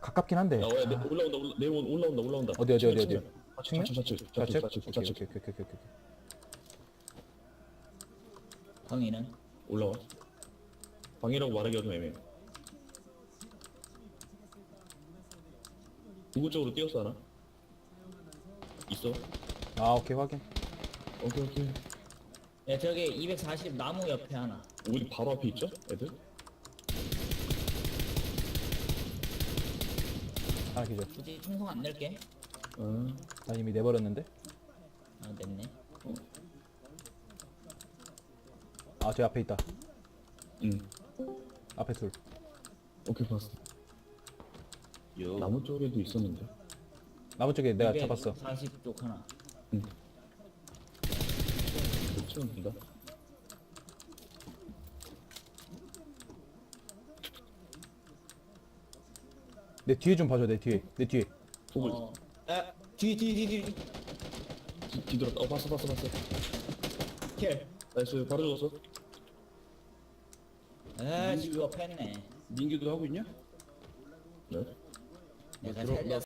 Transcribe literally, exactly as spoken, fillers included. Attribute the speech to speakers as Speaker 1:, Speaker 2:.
Speaker 1: 가깝긴 한데.
Speaker 2: 야, 야, 내,
Speaker 1: 아,
Speaker 2: 올라온다, 올라, 내려온 올라온다, 올라온다.
Speaker 1: 어디, 어디, 어디, 어디?
Speaker 2: 좌측, 좌측, 좌측,
Speaker 1: 좌측?
Speaker 2: 좌측, 좌측,
Speaker 1: 오케이,
Speaker 2: 좌측.
Speaker 1: 오케이, 오케이, 오케이, 오케이, 오케이.
Speaker 3: 방위는?
Speaker 2: 올라와. 방이라고 말하기가 좀 애매해. 누구 쪽으로 뛰었어 하나? 있어?
Speaker 1: 아, 오케이, 확인.
Speaker 2: 오케이, 오케이.
Speaker 3: 야 저기 이백사십 나무 옆에 하나.
Speaker 2: 우리 바로 앞에 있죠? 애들?
Speaker 1: 하나 기절.
Speaker 3: 굳이 충성 안 낼게.
Speaker 2: 아,
Speaker 1: 난 이미 내버렸는데.
Speaker 3: 아 냈네.
Speaker 1: 아, 저 앞에 있다.
Speaker 2: 응.
Speaker 1: 앞에 둘.
Speaker 2: 오케이, 봤어. 나무 쪽에도 있었는데.
Speaker 1: 나무 쪽에 내가 잡았어.
Speaker 3: 사십 쪽 하나.
Speaker 2: 응. 치면 된다.
Speaker 1: 내 뒤에 좀 봐줘, 내 뒤에. 내 뒤에.
Speaker 2: 보고
Speaker 3: 어. 아 뒤뒤뒤뒤
Speaker 2: 뒤, 뒤돌았다. 어, 봤어, 봤어, 봤어.
Speaker 3: 킬.
Speaker 2: 나이스, 바로 죽었어.
Speaker 3: 아 지금 패네.
Speaker 4: 민규도 하고 있냐?
Speaker 2: 네.
Speaker 3: 내가 살려.